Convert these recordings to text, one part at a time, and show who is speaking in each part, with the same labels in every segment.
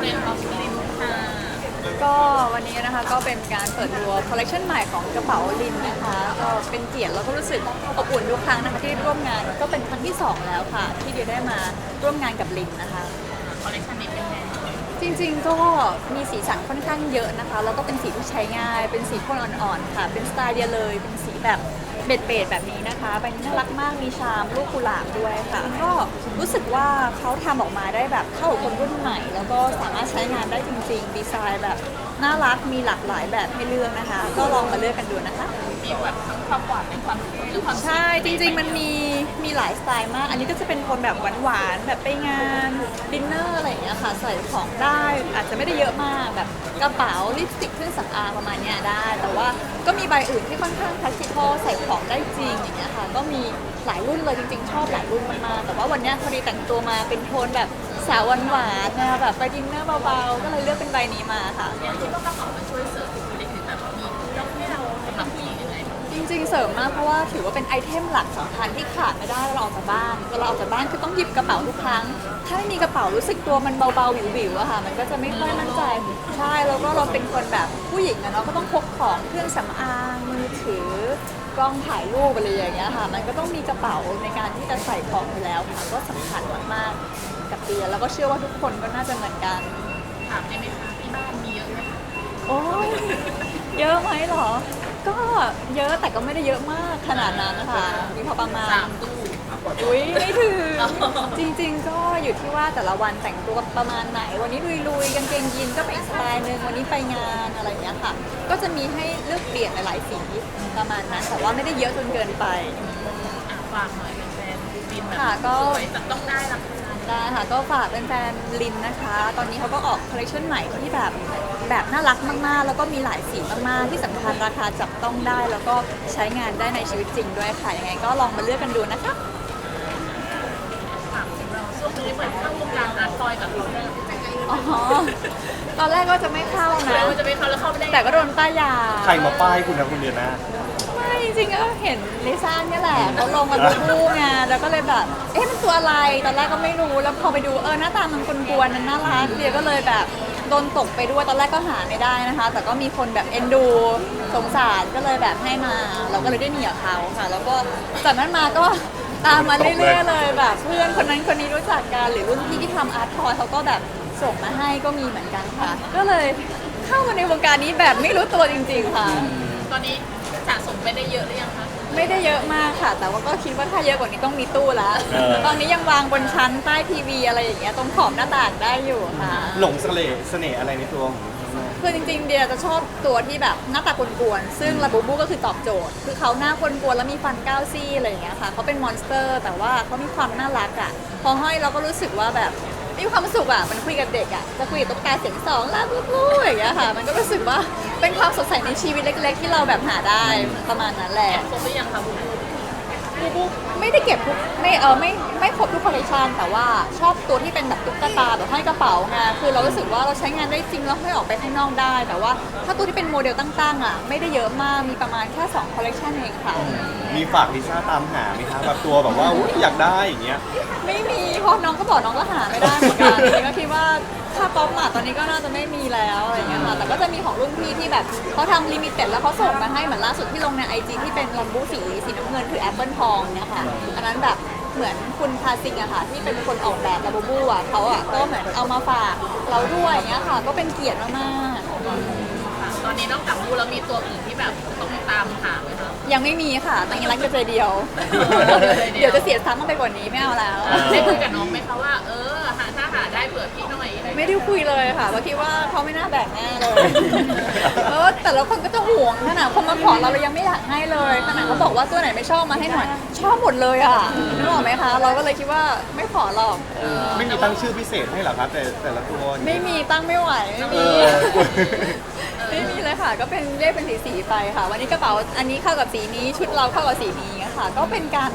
Speaker 1: เรนของลินค่ะ
Speaker 2: ก็วันนี้นะคะก็เป็นการเปิดตัวคอลเลคชันใหม่ของกระเป๋าลินนะคะก็เป็นเกียรติแล้วก็รู้สึกอบอุ่นทุกครั้งนะคะที่ร่วมงานก็เป็นครั้งที่2แล้วค่ะที่เดียได้มาร่วมงานกับลินนะคะ
Speaker 1: คอลเลคชันนี้เป็นไง
Speaker 2: จริงๆก็มีสีสันค่อนข้างเยอะนะคะแล้วก็เป็นสีที่ใช้ง่ายเป็นสีโทนอ่อนๆค่ะเป็นสไตล์เดียเลยเป็นสีแบบเบ็ดๆแบบนี้นะคะใบนี้น่ารักมากมีชามลูกกุหลาบด้วยค่ะก็รู้สึกว่าเขาทำออกมาได้แบบเข้ากับคนรุ่นใหม่แล้วก็สามารถใช้งานได้จริงๆดีไซน์แบบน่ารักมีหลากหลายแบบให้เลือกนะคะก็ลองมาเลือกกันดูนะคะ
Speaker 1: มีแบบทั้งความหวานและความเท่หรือความ
Speaker 2: ใช่จริงๆมันมีหลายสไตล์มากอันนี้ก็จะเป็นคนแบบหวานๆแบบไปงานดินเนอร์อะไรอย่างเงี้ยค่ะใส่ของได้อาจจะไม่ได้เยอะมากแบบกระเป๋าลิปสติกเครื่องสำอางประมาณเนี้ยได้แต่ว่าก็มีใบอื่นที่ค่อนข้าง practical ใส่ของได้จริงอย่างเงี้ยค่ะก็มีหลายรุ่นเลยจริงๆชอบหลายรุ่นมากๆแต่ว่าวันเนี้ยพอดีแต่งตัวมาเป็นโทนแบบสาวหวานๆนะแบบไปดินเนอร์เบาๆก็เลยเลือกเป็นใบนี้มาค่ะ
Speaker 1: อย่างที่ว่ากระเป๋ามันช่วยเสริมบุคลิกหรือแบบมียกให้เราสำหรับผู้หญิงยังไง
Speaker 2: จริงๆเสริมมากเพราะว่าถือว่าเป็นไอเทมหลักสำคัญที่ขาดไม่ได้เวลาออกจากบ้านเวลาออกจากบ้านคือต้องหยิบกระเป๋าทุกครั้งถ้าไม่มีกระเป๋ารู้สึกตัวมันเบาๆวิวๆอะค่ะมันก็จะไม่ค่อยมั่นใจใช่แล้วก็เราเป็นคนแบบผู้หญิงอะเนาะก็ต้องพกของเครื่องสำอางมือถือกล้องถ่ายรูปอะไรอย่างเงี้ยค่ะมันก็ต้องมีกระเป๋าในการที่จะใส่ของอยู่แล้วค่ะก็สำคัญมากๆกับเดียแล้วก็เชื่อว่าทุกคนก็น่าจะเหมือนกัน
Speaker 1: ถามได้ไหมคะที่บ้านมีเยอะไหมคะ
Speaker 2: โอ้ยเยอะไหมเหรอก็เยอะแต่ก็ไม่ได้เยอะมากขนาดนั้นนะคะมีพอประมาณ
Speaker 1: 3 ตู้
Speaker 2: อุ้ยไม่ถึงจริงๆก็อยู่ที่ว่าแต่ละวันแต่งตัวประมาณไหนวันนี้ลุยๆกางเกงยีนก็เป็นอีกสไตล์หนึ่งวันนี้ไปงานอะไรอย่างเงี้ยค่ะก็จะมีให้เลือกเปลี่ยนหลายๆสีประมาณนั้นแต่ว่าไม่ได้เยอะจนเกินไป
Speaker 1: ฝากหน่อยเป็นแฟนลินแบบ
Speaker 2: ค่ะก็
Speaker 1: สวยต้องได้ราคา
Speaker 2: ได้ค่ะก็ฝากแฟนๆลินนะคะตอนนี้เขาก็ออกคอลเลคชันใหม่ที่แบบน่ารักมากๆแล้วก็มีหลายสีมากๆที่สำคัญราคาจับต้องได้แล้วก็ใช้งานได้ในชีวิตจริงด้วยค่ะยังไงก็ลองมาเลือกกันดูนะคะ
Speaker 1: ถามถึงเราช่วงนี้เหมือนเข้าวงการอาร์ตทอยกับเราเนี่ย
Speaker 2: อ๋อตอนแรกก็จะไม่เข้านะ
Speaker 1: เราจะไม่เข้าแล้วเข้าไม่ได้
Speaker 2: แต่ก็โดนป้ายยา
Speaker 3: ใครมาป้ายคุณนะคุณเดียนะ
Speaker 2: ไม่จริงๆก็เห็นลิซ่าเนี่ยแหละเขาลงมาดูคู่ไงแล้วก็เลยแบบเอ๊ะมันตัวอะไรตอนแรกก็ไม่รู้แล้วพอไปดูหน้าตามันกวนๆมันน่ารักเดียก็เลยแบบโดนตกไปด้วยตอนแรกก็หาไม่ได้นะคะแต่ก็มีคนแบบเอ็นดูสงสารก็เลยแบบให้มาเราก็เลยได้หนีกับเขาค่ะแล้วก็จากนั้นมาก็ตามมาเรื่อยๆเลยแบบเพื่อนคนนั้นคนนี้รู้จักกันหรือรุ่นพี่ที่ทำอาร์ตทอยเขาก็แบบส่งมาให้ก็มีเหมือนกันค่ะก็เลยเข้ามาในวงการนี้แบบไม่รู้ตัวจริงๆค่ะ
Speaker 1: ตอนนี้สะสมไปได้เยอะหรือยังคะ
Speaker 2: ไม่ได้เยอะมากค่ะแต่ว่าก็คิดว่าถ้าเยอะกว่านี้ต้องมีตู้แล้วตอนนี้ยังวางบนชั้นใต้ทีวีอะไรอย่างเงี้ยตรงขอบหน้าต่างได้อยู่ค่ะ
Speaker 3: หลงเสน่ห์อะไรในตัวของ
Speaker 2: คือจริงๆเดียจะชอบตัวที่แบบหน้าตากวนๆซึ่งลาบูบูก็คือตอบโจทย์คือเขาหน้ากวนๆแล้วมีฟันก้าวซี่อะไรอย่างเงี้ยค่ะเขาเป็นมอนสเตอร์แต่ว่าเขามีความน่ารักอ่ะพอห้อยเราก็รู้สึกว่าแบบมีความสุขอ่ะมันคุยกับเด็กอ่ะจะคุยกับตุ๊กตาเสียงสองลาบูบูอย่างเงี้ยค่ะมันก็รู้สึกว่าเป็นความสดใสในชีวิตเล็กๆที่เราแบบหาได้ประมาณนั้นแหละ
Speaker 1: ครบหรือยังคะบู
Speaker 2: บูไม่ได้เก็บทุกไม่ครบทุกคอลเลคชันแต่ว่าชอบตัวที่เป็นแบบตุ๊กตาแบบห้อยกระเป๋าไงคือเรารู้สึกว่าเราใช้งานได้จริงแล้วห้อยออกไปข้างนอกได้แต่ว่าถ้าตัวที่เป็นโมเดลตั้งๆอ่ะไม่ได้เยอะมากมีประมาณแค่2คอลเลคชันเองค่ะ
Speaker 3: มีฝากลิซ่าตามหาไหมคะแบบตัวแบบว่าอยากได้อย่างเงี้ย
Speaker 2: ไม่มีเพราะน้องก็บอกน้องก็หาไม่ได้เหมือนกันนี่ก็คิดว่าถ้าป๊อปมาตอนนี้ก็น่าจะไม่มีแล้วอะไรเงี้ยค่ะแต่ก็จะมีของรุ่นพี่ที่แบบเขาทำลิมิเต็ดแล้วเขาส่งมาให้เหมือนล่าสุดที่ลงใน IG ที่เป็นลัมบูสีน้ำเงินคือแอปเปิลทองเนี่ยค่ะอันนั้นแบบเหมือนคุณพาซิงอะค่ะที่เป็นคนออกแบบลาบูบูอะเขาอะก็เหมือนเอามาฝากเราด้วยอย่างเงี้ยค่ะก็เป็นเกียรติมาก
Speaker 1: ตอนนี้นอกจากบูแล้วมีตัวอื่นที่แบบต้องตามหาไหมคะ
Speaker 2: ๆยังไม่มีค่ะแต่ยังรักใจเดียวเดี๋ยวจะเสียซ้ำไปกว่านี้ไม่เอาแล้ว
Speaker 1: ได้คุยกับน้องไหมคะว่าถ้าหาได้เผื่อพี่หน่อย
Speaker 2: ไม่ได้คุยเลยค่ะว่าคิดว่าเขาไม่น่าแบ่งแน่เลยแต่ละคนก็จะห่วงขนาดคนมาขอเรายังไม่อยากให้เลยขนาดเขาบอกว่าตัวไหนไม่ชอบมาให้หน่อยชอบหมดเลยอ่ะนึกออกไหมคะเราก็เลยคิดว่าไม่ขอหรอก
Speaker 3: ไม่มีตั้งชื่อพิเศษให้หรอครับแต่ละตัว
Speaker 2: ไม่มีตั้งไม่ไหวไม่มีไม่มีเลยค่ะก็เป็นเรียกเป็นสีไปค่ะวันนี้กระเป๋าอันนี้เข้ากับสีนี้ชุดเราเข้ากับสีนี้ค่ะก็เป็นการ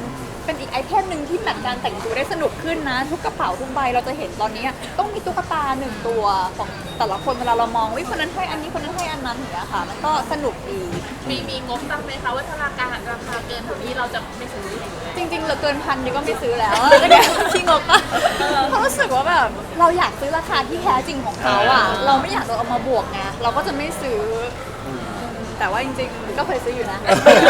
Speaker 2: เป็นอีกไอเทมหนึ่งที่แบบการแต่งตัวได้สนุกขึ้นนะ ทุกกระเป๋าทุกใบเราจะเห็นตอนนี้ต้องมีตุ๊กตาหนึ่งตัวของแต่ละคนเวลาเรามองวิคนนั้นให้อันนี้คนนั้นให้อันนั้นอย่างเงี้ยค่ะมันก็สนุกดี
Speaker 1: มีงบตั้งไหมคะว่าถ้าราคาเกินเท่านี้เราจะไม่ซื้อ
Speaker 2: จริงๆเหลือเกินพันดีก็ไม่ซื้อแล้วก็เนี่ยที่งบปะเพราะรู้สึกว่าแบบเราอยากซื้อราคาที่แท้จริงของเขาอ่ะเราไม่อยากโดนเอามาบวกไงเราก็จะไม่ซื้อแต่ว่าจริงๆก็เคยซื้ออยู่นะ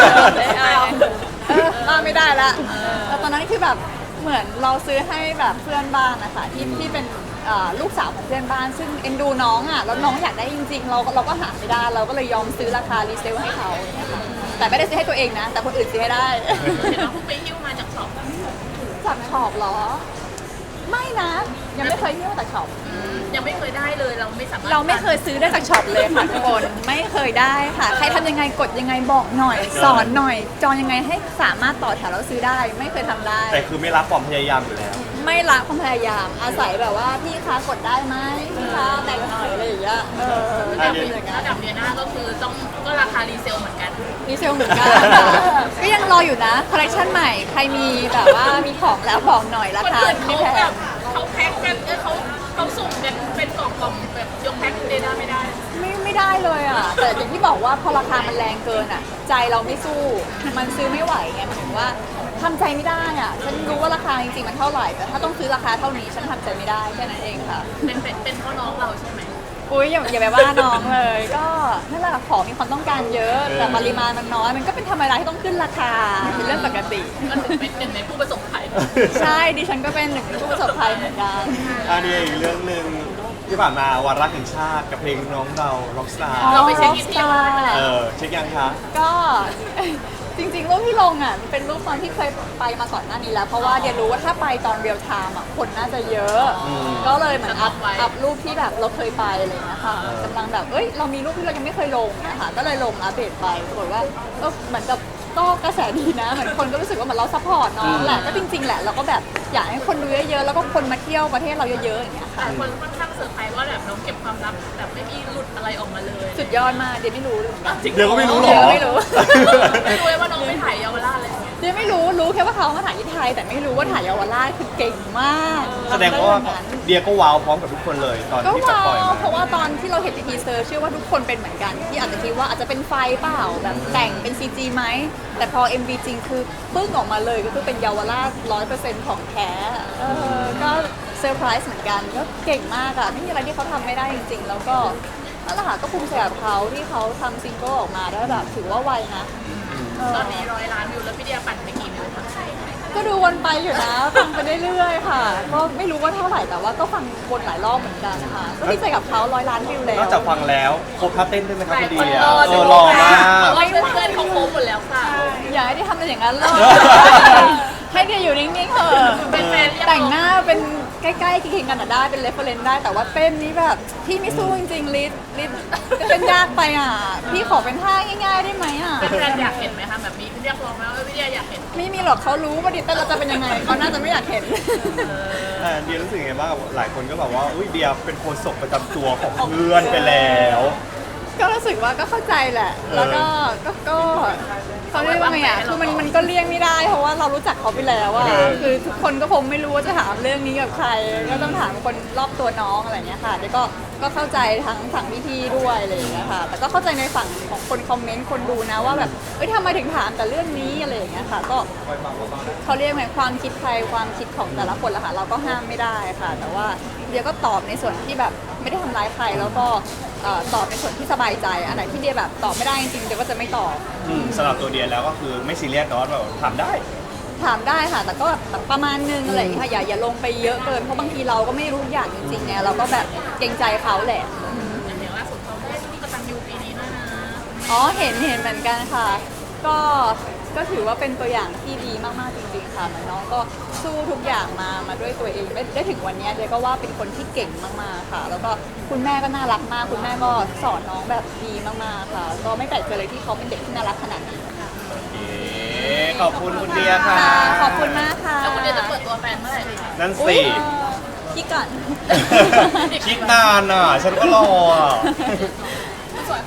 Speaker 2: ไม่ได้ละแล้วตอนนั้นคือแบบเหมือนเราซื้อให้แบบเพื่อนบ้านนะคะที่เป็นลูกสาวของเพื่อนบ้านซึ่งเอ็นดูน้องอ่ะแล้วน้องอยากได้จริงๆเราก็หาไม่ได้เราก็เลยยอมซื้อราคารีเซลให้เขานะคะแต่ไม่ได้ซื้อให้ตัวเองนะแต่คนอื่นซื้อให้ได้
Speaker 1: เห็นว่าคุณไปหิ้วมาจากช็อป
Speaker 2: จากช็อปเหรอ ไม่นะ ยังไม่เคยเที่ยวจากช็อป
Speaker 1: ยังไม่เคยได้เลยเราไม่สามารถ
Speaker 2: เราไม่เคยซื้อได้จากช็อปเลยค่ะทุกคนไม่เคยได้ค่ะ ใครทำยังไงกดยังไงบอกหน่อย สอนหน่อย จองยังไงให้สามารถต่อแถวแล้วซื้อได้ ไม่เคยทำได้
Speaker 3: แต่คือไม่รักความพยายามอยู่แล้ว
Speaker 2: ไม่ละความพยายามอาศัยแบบว่าพี่คะกดได้ไหมพี่คะแต่งหน่อยอะไรอย่างเงี้ยจะมีอย่างเงี้
Speaker 1: ระ
Speaker 2: ย
Speaker 1: ดับเดียน่าก็คือก็ราคารีเซลเหมือนกัน
Speaker 2: ดีเซลเหมือนกันก็ยังรออยู่นะคอลเลคชันใหม่ใครมีแบบว่ามีของแล้วบอกหน่อยรา
Speaker 1: คน
Speaker 2: คา
Speaker 1: อื่น
Speaker 2: ไม่
Speaker 1: เขา
Speaker 2: แพ
Speaker 1: แบ
Speaker 2: ง
Speaker 1: บเขาแพ็คกันเขาสุ่มกันเป็นกล่องๆแบบยกแพ็คเดน่าไม่ได้
Speaker 2: ไม่ได้เลยอ่ะ แต่อย่างที่บอกว่าพอราคามันแรงเกินอ่ะ ใจเราไม่สู้ มันซื้อไม่ไหวไงหมายถึงว่าทำใจไม่ได้อ่ะ ฉันรู้ว่าราคาจริงๆมันเท่าไหร่ แต่ถ้าต้องซื้อราคาเท่านี้ฉันทำใจไม่ได้แค่นั้นเองค่ะ
Speaker 1: เป็นเพราะน้องเราใช่ไหม
Speaker 2: อุ้ยอย่าไปว่าน้องเลย ก็นั่นแหละของมีความต้องการเยอะ แต่ปริมาณมันน้อย มันก็เป็นธรรมดาที่ต้องขึ้นราคาเป็นเรื่องปกติ
Speaker 1: ก็ถือเป็นหนึ่งในผู้ประสบภัย
Speaker 2: ใช่ดิฉันก็เป็นหนึ่งในผู้ประสบภัยเหมือนกัน
Speaker 3: อันนี้อีกเรื่องหนึ่งที่ผ่านมาวาระแห่งชาติกับเพลงน้องเรา Rockstar
Speaker 1: เราไปเช็คอินที่ยวมาแล้ว
Speaker 3: เช็คยังคะ
Speaker 2: ก็ จริงๆรูปที่ลงอ่ะมันเป็นรูปตอนที่เคยไปมาก่อนหน้านี้แล้ว เพราะว่าเดี๋ยวรู้ว่าถ้าไปตอนเรียลไทม์อ่ะคนน่าจะเยอะ ก็เลยเหมือนอัพรูปที่แบบเราเคยไปอะไรอย่างเงี้ยค่ะกำลังแบบเรามีรูปที่เรายังไม่เคยลงนะคะก็เลยลงอัปเดตไปปรากฏว่าเหมือนกับก็กระแสดีนะเหมือนคนก็รู้สึกว่าเหมือนเราซัพพอร์ตน้องแหละก็จริงๆแหละเราก็แบบอยากให้คนดูเยอะๆแล้วก็คนมาเที่ยวประเทศเราเยอะๆอย่างเงี้ยค่ะ
Speaker 1: แต่คนค่อนข้างเซอร์ไพรส์ว่าแบบน้องเก็บความลับแบบไม่มีหลุดอะไรออกมาเลย
Speaker 2: สุดยอดมากเดี๋ยวไม่รู้เลย
Speaker 3: เดี๋ยวก็ไม่รู้หรอ
Speaker 2: เดี๋ยวไม่รู้
Speaker 1: ไม่รู้เลยว่าน้องไปถ่ายเยาวราชอะไรอย่างเงี้ย
Speaker 2: เดี๋ยวไม่รู้แค่ว่าเขามาถ่ายที่ไทย แต่ไม่รู้ว่าถ่ายเยาวราชคือเก่งมาก
Speaker 3: แสดงว่าเดียก็ว้าวพร้อมกับทุกคนเลยตอน
Speaker 2: ก็
Speaker 3: ที่จะ
Speaker 2: ว้า
Speaker 3: ปล่อยว มา
Speaker 2: เพราะว่าตอนที่เราเห็นในทีเซอร์เชื่อว่าทุกคนเป็นเหมือนกัน ที่อาจจะคิดว่าอาจจะเป็นไฟเปล่าแบบแต่งเป็น CG ไหมแต่พอ MV จริงคือปึ้งออกมาเลยก็คือเป็นเยาวราช 100% ของแท้ก็เซอร์ไพรส์เหมือนกันก็เก่งมากอะไม่มีอะไรที่เขาทำไม่ได้จริง ๆ แล้วก็นั่นแหละค่ะก็ภูมิใจกับเขาที่เขาทำซิงเกิลออกมาได้แบบถือว่าไวนะ
Speaker 1: ตอนนี้100 ล้านวิวแล้วพี่เดียปั่นไปกี่วิวคะ
Speaker 2: ก็ดูวนไปอยู่นะ ฟังไปเรื่อยๆค่ะ ก็ไม่รู้ว่าเท่าไหร่แต่ว่าก็ฟังวนหลายรอบเหมือนกันนะคะก็ดีใจกับเขา100 ล้านวิวแล้ว
Speaker 3: นอกจากฟังแล้วโคท่าเต้นด้วยไหมครับพี่เดีย
Speaker 1: ดู
Speaker 3: หล่อมาก
Speaker 1: เพราะว่าเพื่อนๆเขาโค้งหมดแล้วค่ะ
Speaker 2: อย่าให้ได้ทำอะไรอย่างนั้นเลยให้เดียอยู่นิ่งๆเถอะ
Speaker 1: เป็นแฟนเรียก
Speaker 2: แต่งหน้าเป็นใกล้ๆเคียงๆกันอะได้เป็นเรฟเฟอเรนซ์ได้แต่ว่าเต้นนี้แบบพี่ไม่สู้จริงๆลิศเต้นยากไปอ่ะพี่ขอเป็นท่าง่ายๆได้ไหมอ่ะ
Speaker 1: เป็นแฟนอยากเห็นไหมคะแบบมีเรียกร้องไหมว่าพี่เดียอยากเห็น
Speaker 2: ไม่มีหรอกเขารู้ว่าดิเต้นเราจะเป็นยังไงเขาน่าจะไม่อยากเห็น
Speaker 3: เดียรู้สึกไงบ้างหลายคนก็แบบว่าอุ้ยเดียเป็นโฆษกประจำตัวของเพื่อนไปแล้ว
Speaker 2: ก็รู้สึกว่าก็เข้าใจแหละ แล้วก็เขาเรียกว่าไงอ่ะ คือมันก็เลี่ยงไม่ได้ เพราะว่าเรารู้จักเขาไปแล้วอ่ะ คือทุกคนก็คงไม่รู้ว่าจะถามเรื่องนี้กับใคร ก็ต้องถามคนรอบตัวน้องอะไรอย่างเงี้ยค่ะเดี๋ยวก็เข้าใจทั้งฝั่งพี่ๆด้วยอะไรอย่างเงี้ยค่ะ แต่ก็เข้าใจในฝั่งของคนคอมเมนต์คนดูนะว่าแบบทำไมถึงถามแต่เรื่องนี้อะไรอย่างเงี้ยค่ะ ก็เขาเรียกไงความคิดใครความคิดของแต่ละคนละค่ะ เราก็ห้ามไม่ได้ค่ะ แต่ว่าเดี๋ยวก็ตอบในส่วนที่แบบไม่ได้ทำร้ายใครแล้วก็ตอบในส่วนที่สบายใจอันไหนที่เดียแบบตอบไม่ได้จริงๆเดียก็จะไม่ตอบ
Speaker 3: สำหรับตัวเดียแล้วก็คือไม่ซีเรียสเนาะแบบถามได้
Speaker 2: ถามได้ค่ะ แต่ก็แบบประมาณนึงอะไรอย่างเงี้ยค่ะอย่าลงไปเยอะเกินเพราะบางทีเราก็ไม่รู้ทุกอย่างจริงๆไงเราก็แบบเกรงใจเขาแหละ
Speaker 1: อย่างเดียวล่าสุดเขาได้ลูกกตัญญูปีนี้ด้วยนะ
Speaker 2: อ๋อเห็นเหมือนกันค่ะ ก็ถือว่าเป็นตัวอย่างที่ดีมากๆจริงๆค่ะเหมือนน้องก็สู้ทุกอย่างมาด้วยตัวเองได้ถึงวันนี้เดียก็ว่าเป็นคนที่เก่งมากๆค่ะ แล้วก็คุณแม่ก็น่ารักมากคุณแม่ก็สอนน้องแบบดีมากๆค่ะ ก็ไม่แปลกใจเลยที่เขาเป็นเด็กที่น่ารักขนาดนี้ค่ะ
Speaker 3: ขอบคุณคุณเดียค่ะ
Speaker 2: ขอบคุณมากค่ะ
Speaker 1: แล้วคุณเดียจะเปิดตัวแฟนเมื่อไหร่คะ
Speaker 3: นั่น
Speaker 2: อุ๊
Speaker 3: สิ
Speaker 2: ยคิดก่อน
Speaker 3: คิดนานอ่ะ ฉันก็รออ่ะ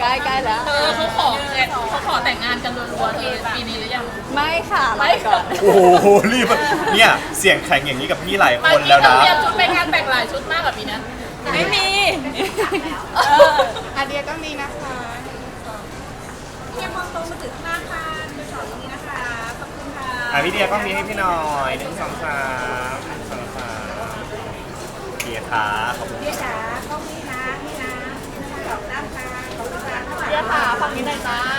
Speaker 2: ใกล้แล้ว
Speaker 1: เขาขอแต่งงานกันรัวๆเธอปีนี้หรือยัง
Speaker 2: ไม่ค่ะรอก่อน
Speaker 3: โอ้โหรีบเนี่ยเสียงแข็งอย่างนี้กับพี่หลายคนแล้ว
Speaker 1: เรา
Speaker 3: นะ
Speaker 1: เตรียมชุดไปงานแต่งหลายชุดมากกว่าปีนั้น
Speaker 2: ไม่มี
Speaker 1: อาเดียก็มีนะคะ
Speaker 4: พี่มองตรงมาถึงหน้าค่ะเป็นสองตรงนี้นะคะขอบคุณค่ะ
Speaker 3: พี่เดียก็มีให้พี่หน่อย1 2 3 1 2 3โอเคค่ะขอบคุณ
Speaker 4: พี่จ๋าต้องนี่นะนี่นะสองด้านค่ะขอบคุณค่ะ
Speaker 1: เดียค่ะฝั่งนี้หน่อยจ้า